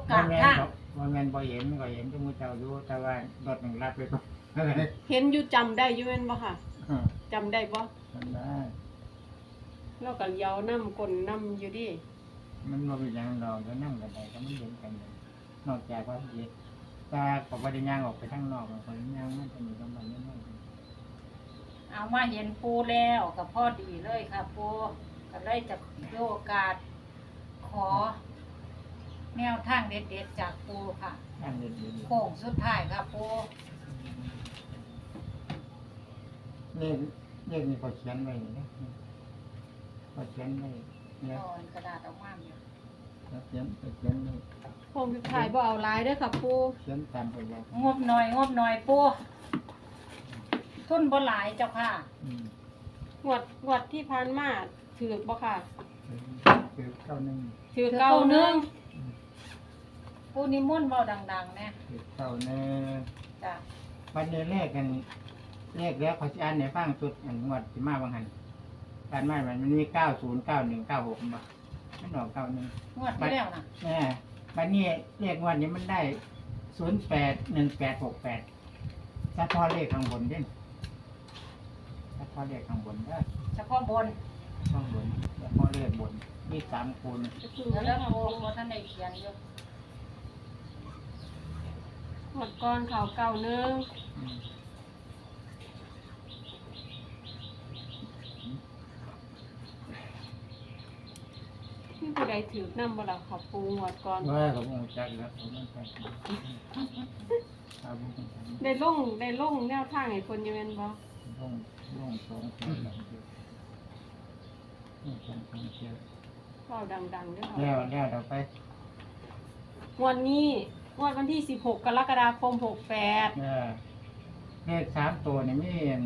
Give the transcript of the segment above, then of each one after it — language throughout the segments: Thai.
กลางทางว่าแม่นบ่เห็นก็เห็นที่มูเจ้าอยู่แต่ว่ารถหนึ่งรับไปก่อนเห็นอยู่จำได้อยู่แม่นบ่ค่ะจำได้บ่มันได้เราก็เลี้ยวน้ำกลนน้ำอยู่ดิมันบ่เป็นหยังดอกจะนั่งกันใดก็ไม่เห็นกันเลยนอกจากว่าเห็นแต่ก็บ่ได้ย่างออกไปข้างนอกคนย่างมันจะมีกำลังนิดหน่อยเอามาเห็นปูแล้วก็พอดีเลยค่ะปูก็เลยจะโอกาสขอ แนวทางเด็ดๆจากปูค่ะย่างเด็ดๆโค้งสุดท้ายค่ะปูเลขนี่เขาเขียนไว้นี่เขาเขียนไว้เนี่ยตอนกระดาษออกมาเนี่ยเขาเขียนไว้โคงสุดท้ายบ่เอาหลายเด้อค่ะปูเขียนตามไปบอกงบหน่อยปูทุนบ่หลายเจ้าค่ะงวดที่ผ่านมาถือบ่ค่ะคือเข้าหนึ่งถือเก้าหนึงปูนิมนต์เบาดังๆเนี่ยคือเข้าหนึ่งจ้ะวันนี้เลขกันเลขแล้วเขาจะอ่านในฟังสุดอันงวดที่มาบางหันการมามันมี909196มาไม่ออก91 งวดที่แล้วนะแน่วันนี้เลขงวดนี้มันได้081868เฉพาะเลขข้างบนเด่นเฉพาะเลขข้างบนได้เฉพาะบนข้างบนเฉพาะเลขบนมี3คูณเดี๋ยวแล้วปูท่านได้เขียนอยู่งวดก่อนเขาเก้าหนึงมีผู้ใดถือนำบ่ล่ะค่ะปูงวดก่อนว่าเขาบอกจักแล้วเขาไม่ใช่เอาบุญกันได้ลงแนวทางให้คนอยู่แม่นบ่ลง2คนหลังเดียว2คนเดียวเว้าดังๆเด้อค่ะแล้วเราไปงวดนี้งวดวันที่16กรกฎาคม68 เลข3ตัวนี่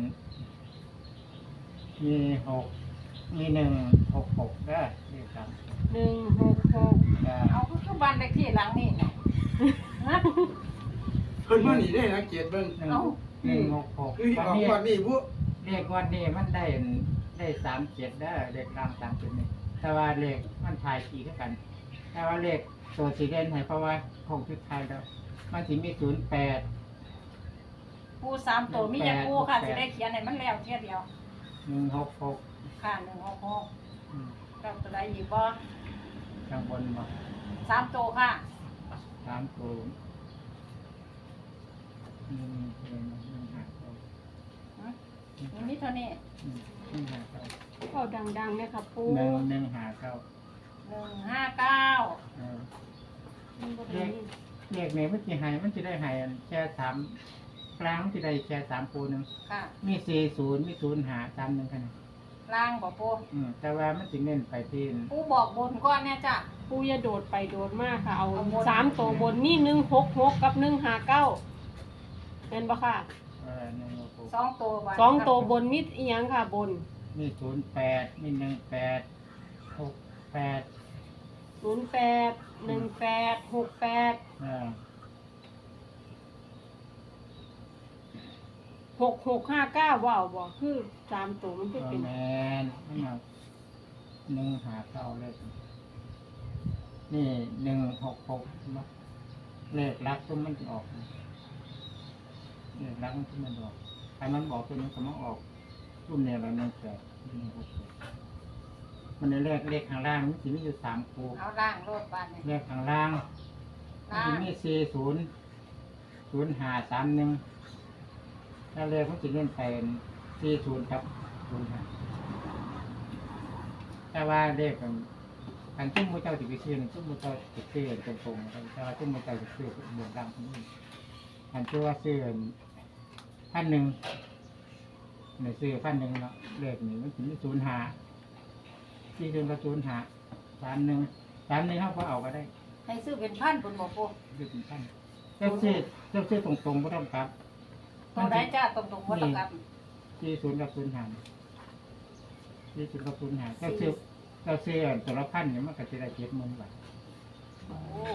มี6มี166ได้เลข3 166 เอาคือบ้านเลขที่หลังนี่นะฮะเพิ่นมานี่ได้นะเกียรติเบิ่ง 166 คือออกก่อนนี่ผู้เลขวันนี้มันได้37ได้เลขล่าง37นี่แต่ว่าเลขมันทายขี่คือกัน แต่ว่าเลขตัวสีเด่นให้เพราะว่าคงชุดไทยแล้วมันสิมี08 ปูสามตัวมีอย่างปูค่ะจะได้เขียนให้มันแล้วเทียเดียว 166 ค่ะ166กับตัวใดอีกบ่ข้างบนมาสามตัวค่ะ 3ตัวมันมีเท่านี้เว้าดังๆเด้อค่ะปู 159 159 มันบ่ได้ยินเลขนี้มันจะให้มันจะได้ให้แค่3ครั้งที่ได้แค่3คูนึงค่ะมี40มี0531คั่นล่างบ่ปูแต่ว่ามันสิเน้นไปที่ปูบอกบนก่อนเนี่ยจ้ะปูอย่าโดดไปโดดมาค่ะ เอาเอาบน 3ตัวบนนี่166กับ159เห็นบ่ค่ะ 166 สองตัวบ่สองตัวบนมีอีหยังค่ะบนมี08มี18 68 08 18 68 6659ว้าวบ่คือ3ตัวมันคือเป็นแมนไม่เอา159เลยนี่166มาเลขลักตัวมันจะออกเลขลักมันที่มันออกถ้ามันบอกตัวนี้ก็มันออกรุ่นเนี่ยเรา168มันในเลขข้างล่างมันสิมีอยู่3คู่เอาล่างโลดบานนี่เลขข้างล่างมันสิมี40 0531ถ้าเลขมันสิเล่นไป40กับ05แต่ว่าเลขกันทุ่มมือเจ้าสิไปซื้อทุ่มมือเจ้าสิซื้อตรงๆแต่ว่าทุ่มมือเจ้าสิซื้อเบื้องล่างนี่อันชื่อว่าซื้อ1,000ในซื้อ1,000เนาะเลขนี้มันสิมี05ที่ถึงกับ05 31เฮาก็เอาก็ได้ให้ซื้อเป็นพันบนบ่ปูซื้อเป็นพันเจ้าซื้อตรงๆบ่ต้องกลับตัวใดจ้าตรงๆบ่ต้องกลับ 40กับ05 40กับ05เจ้าซื้อตัวละ1,000เนี่ยมันก็สิได้70,000 บาทโอ้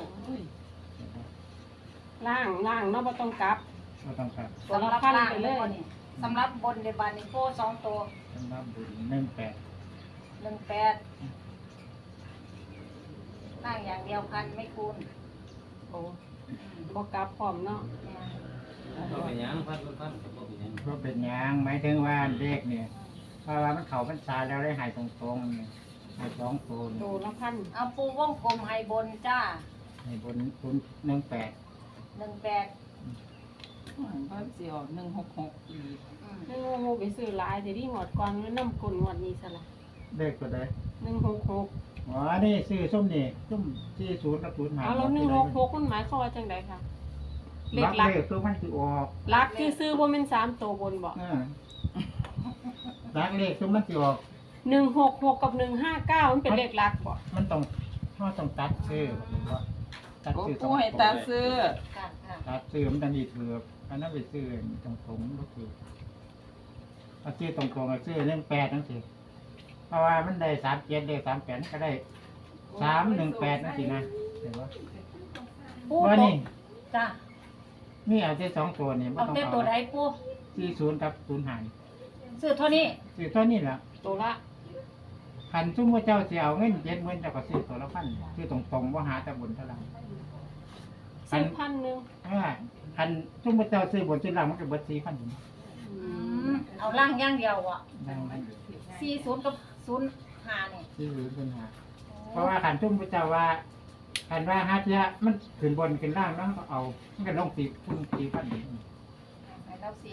ล่างเนาะบ่ต้องกลับบ่ต้องกลับสำหรับล่างเลยบ่นี่สำหรับบนในบานนี่โป้สองตัวสำหรับบุญ18 18ล่างอย่างเดียวพันไม่คูณโอ้บ่กลับพร้อมเนาะก็เป็นหยังพันก็เป็นหยังก็เป็นหยังหมายถึงว่าเลขเนี่ยเพราะว่ามันเข้าพรรษาแล้วได้หายตรงๆเนี่ยหาย2ตัวโตเนี่ยละพันเอาปูวงกลมให้บนจ้าให้บน018 18 เพิ่นสิออก166อีกนึกว่าโมไปซื้อหลายแต่ที่งวดก่อนมันนำกลงวดนี้ซะละเลขตัวใด 166 อ๋อนี่ซื้อส้มนี่ส้ม40กับ05 เอาแล้ว166มันหมายความว่าจังไดคะเลเลขขหลักคือมันสิออกหลักที่ซื้อบ่แม่น3ตัวบนบ่รักเลขคือมันสิออก 166กับ159มันเป็นเลขหลักบ่มันต้องตัดซื้อหรือว่าตัดโอ้ซื้อปูให้ตาซื้อค่ะค่ะตัดซื้อมันจะดีถืออันนั้นไปซื้อตรงๆก็คือเอาซื้อตรงๆเอาซื้อเรื่อง8นั่นสิเพราะว่ามันได้37ได้38ก็ได้318นั่นสินะเห็นบ่ปูว่าตนี่กจ้านี่เอาที่2ตัวนี่บ่เอาต้องแต่เอาตัวใดปู 40กับ05 ซื้อเท่านี้ซื้อตัวนี้ล่ะตัวละคันซุ่มว่าเจ้าสิเอาเงิน70,000เจ้าก็ซื้อตัวละพันซื้อตรงๆบ่หาแต่บนเท่าไหร่ซื้อพันหนึงคันซุ่มว่าเจ้าซื้อบนซื้อล่างมันก็เบิด4,000 เอาล่างอย่างเดียวอ่ะได้ไหม 40กับ05นี่ที่รู้ปัญหาเพราะว่าขันทุ่มพระเจ้าว่าขันว่าฮาเทียมันขึ้นบนขึ้นล่างแล้วก็เอามันก็ลง4,000 ให้เราสิ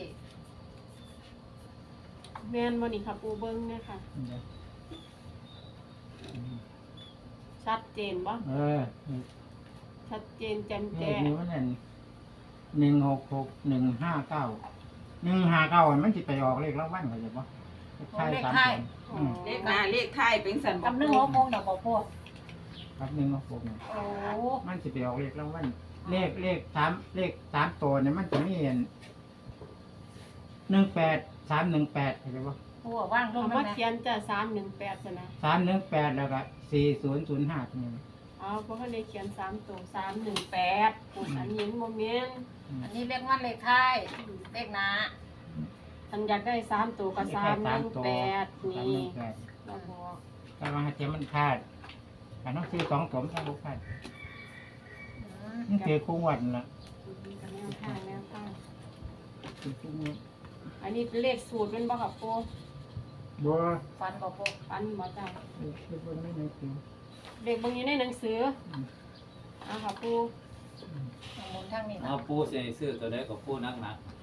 แม่นบ่นี่ค่ะปูเบิ่งเนี่ยค่ะ ชัดเจนบ่เออชัดเจนแจ่มเลแจ้ขงนี้มันนั่น166 159มันสิไปออกเลขรางวัลเขาจะบ่ใช่3ตัวอืมเลขหน้าเลขท้ายเป็นสันกับปู 1 6 6ดอกบ่ปูครับ166เนี่ยโอ้มันสิไปออกเลขรางวัลเลข3ตัวเนี่ยมันจะมีอัน18 318เข้าใจบ่ปูว่างลงเอานั่มานแหละเขียนจะ318ซะนะ 318แล้วก็4005ตรงนี้เอาบ่ทันได้เขียน3ตัว318ปูอันนี้มันบ่แม่นอันนี้เลขมันเลขท้ายเลขหน้าอันอยากได้3ตัวก็318นี่ 318 เราบอกแต่ว่าเทียมมันคาดอันนั้นซื้อ2ตัวมันต้องคาดอืมนี่คือคู่วันละแนวทางแนวทางคือคู่วันอันนี้เป็นเลขสูตรเป็นบ่ครับปูบัวฟันบ่ปูปันบ่จ้าคือบัวไม่ในคือเลขบางอยู่ในหนังสือเอาค่ะปูเอาหมุนทางนี้นะเอาปูสิให้ซื้อตัวใดก็ปูนัก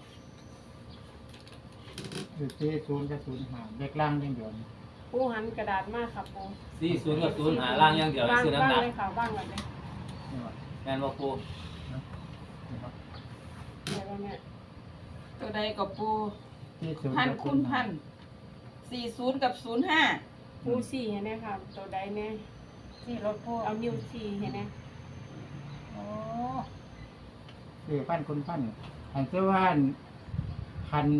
คือซื้อ0กับ05เด็กล่างยังเดียวปูหันกระดาษมาค่ะปู 40กับ0หาล่างอย่างเดียวให้บ้างซื้อบ้างนักเลยค่ะบ้างเลยนี่ว่าแม่นบ่ปูเดี๋ยวเราเนี่ยตัวใดก็ปูที่0 พันกับคูณพัน40กับ05 ปูสี่เห็นไหมค่ะตัวใดเนี่ยที่รถปูเอานิ้วสี่เห็นไหมโอ้คือพันคุณพันอันเจ้าว่านพัน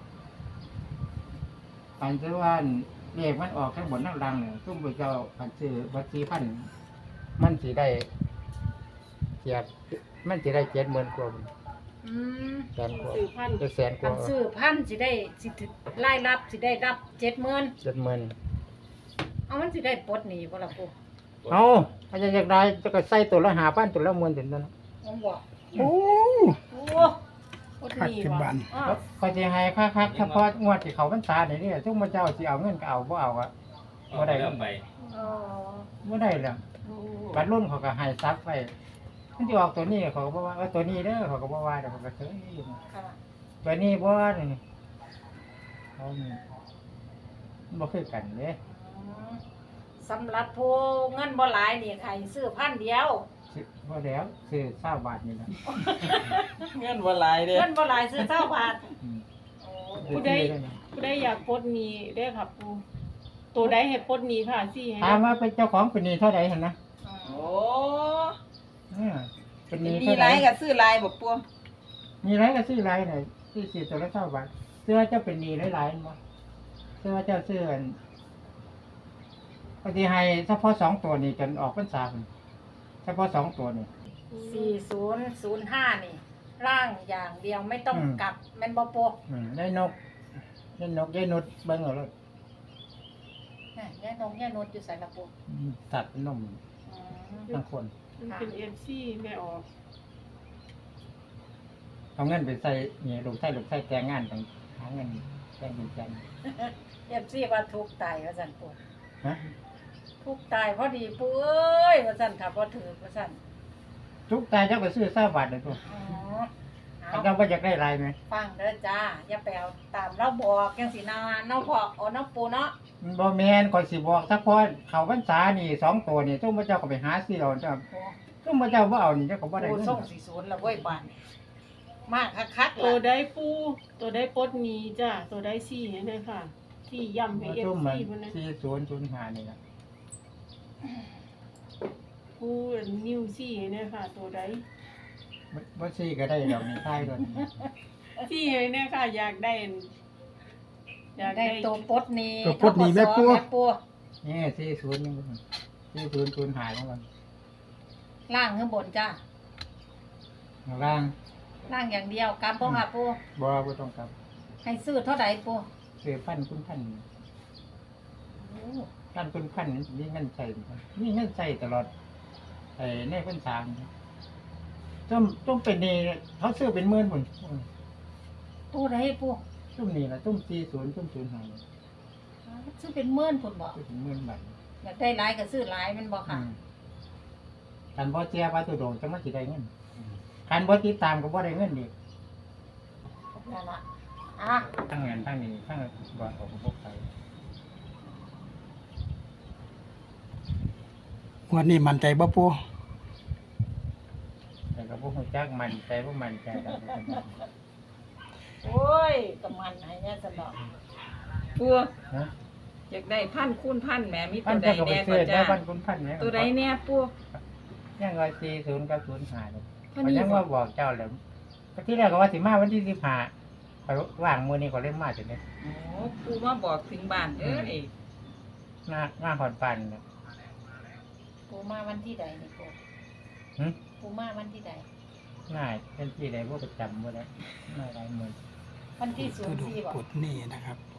อันเจ้าว่านเลขมันออกข้างบนข้างล่างเนี่ยตุ้มไปเจ้าพันซื้อบัตร4,000มันสิได้เกียบมันสิได้70,000กว่าอืมแสนกว่าสื่อพันจะแสนกอัว่านซื้อพันสิได้สิรายรับสิได้รับ70,000 70,000 เอามันสิได้ปลดหนี้บ่ล่ะปูเอาถ้าจะอยากได้จะก็ใส่ตัวละ5,000ตัวละ10,000ถึงนั้นผมบอกโอ้โอ้พุทนีวะอ้อก็สิให้คักๆเฉพาะงวดที่เขาพรรษานี่ทุกมื้อเจ้าสิเอาเงินก็เอาบ่เอาอะเอาไปเอาไปอ๋อบ่ได้แล้วโอ้บัดรุ่นเขาก็ให้ซักไว้มันสิออกตัวนี้เขาก็บ่ว่าตัวนี้เด้อเขาก็บ่ว่าเดี๋ยวเขาก็เฉยอยู่ค่ะตัวนี้บ่นี่เขานี่มันบ่คือกันเด้อืมสำหรับผู้เงินบ่หลายนี่ใครซื้อพันเดียวสิบ่แล้วซื้อ20บาทนี่ล่ะเงินบ่หลายเด้เงินบ่หลายซื้อ20 บาทอืมโอ้ผู้ใดผู้ใดอยากปลดหนี้ได้อครับปูตัวใดให้ปลดหนี้ค่ะสี่ให้ถามว่าเป็นเจ้าของเป็นหนี้เท่าใดหั่นนะโอ้เออเป็นหมีนี้หเท่าลาใดยก็ซื้อหลายบ่ปูมีไรก็ซื้อไรหน่อยซื้อ4ตัวละ20บาทซื้อว่าเจ้าเป็นหนี้หลายๆบ่ซื้อว่าเจ้าซื้ออันบางทีให้เฉพาะ2ตัวนี่จนออกพรรษาพุ่นเฉพาะ2ตัวนี่ 4005นี่ร่างอย่างเดียวไม่ต้องกลับแม่นบ่ปูได้นกได้นุดเบิ่งเอาเลยน่ะยายนงยายนุชอยู่ไสล่ะปูตัดนมอืมทั้งคนมันเป็นเอฟซีไม่ออกเอาเงินไปใส่เนี่ยลูกใส่แต่งงานต่างหาเงินแต่งเป็นจันเอฟซีว่าทุกข์ตายว่าซั่นปูฮะทุกข์ตายพอดีปูเอ้ยว่าซั่นค่ะบ่ถือว่าซั่นทุกตายเจ้าก็ซื้อ3 บาทเลยตัวอ๋อเอาอันเจ้าบ่อยากได้หลายไหมฟังเด้อจ้าอย่าไปเอาตามเราบอกจังสินาเนาะพ่อเอาเนาะปูเนาะมันบ่แม่นข่อยสิบอกสักพอเข้าพรรษานี่2ตัวนี่ซุมพระเจ้าก็ไปหาซื้อเอาเจ้าโอ้ซุมพระเจ้าบ่เอานี่เจ้าก็บ่ได้ปูเงินส่งสิศูนย์ละเว้ยบ้านนี่มากคักๆตัวล่ะได้ปูตัวได้ปลดหนี้จ้าตัวได้ซี่เนี่ยค่ะ ที่ย้ำให้ซุมมัน FC พุ่นนะ 4005นี่ล่ะปูนิ้วซี่เนี่ยค่ะ ตัวได้บ่ซื้อก็ได้ดอกนี่ทายรถซี่เนี่ยค่ะ อยากได้ อยากได้ได้ตัวปลดหนี้ตัวปลดหนี้แม่ปูปูนี่40นี่4005ของมันล่างข้างบนจ้าข้างล่างล่างอย่างเดียวกำบ่ค่ะปูบ่ต้องกลับให้ซื้อเท่าใดปูซื้อพันคุณพันโอ้พันคุณพันมีเงินใช้มีเงินใช้ตลอดในพรรษาต้องเป็นนี่เขาซื้อเป็น10,000พุ่นปูใดปูซุ่มนี่ล่ะซุ่ม40ซุ่ม05นี่ซื้อเป็นหมื่นพุ่นบ่ซื้อเป็น10,000บาทอยากได้หลายก็ซื้อหลายแมันบ่ค่ะคันบ่เจียว่าตุดงจังมันสิได้เงินคันบ่ติดตามก็บ่ได้เงินอีกนั่นล่ะอ่ะทั้งเงินทั้งนี้ทั้งบ่ออกบ่ไปงวดนี้มั่นใจบ่ปูแต่ก็บ่ฮู้จักมันใจบ่มันใจดอกโอ้ยก็มันให้แน่สนอกปูฮะอยากได้พันคูณพันแหมมีพัตันวใดเจ้าก็ไปแน่ซื้ก็อได้จ้าพันคุณพันเนี่ยตัวใดแน่ปูยังว่า40กับ05นี่เท่าก็นี้ยังบ่ว่าบอกเจ้าแล้วที่แรกก็ว่าสิมาวันที่15ไปว่างมื้อนี้ก็เลยมาจังได๋โอ้ปูมาบอกถึงบ้านเด้อนี่มาฮอดบ้านน่ะปูมาวันที่ใดนี่ปูหึปูมาวันที่ใดง่ายเป็นที่ใดบ่ประจำบ่ได้มาหลายมื้อวันที่ตัวดู 04บ่ปลดหนี้นะครับ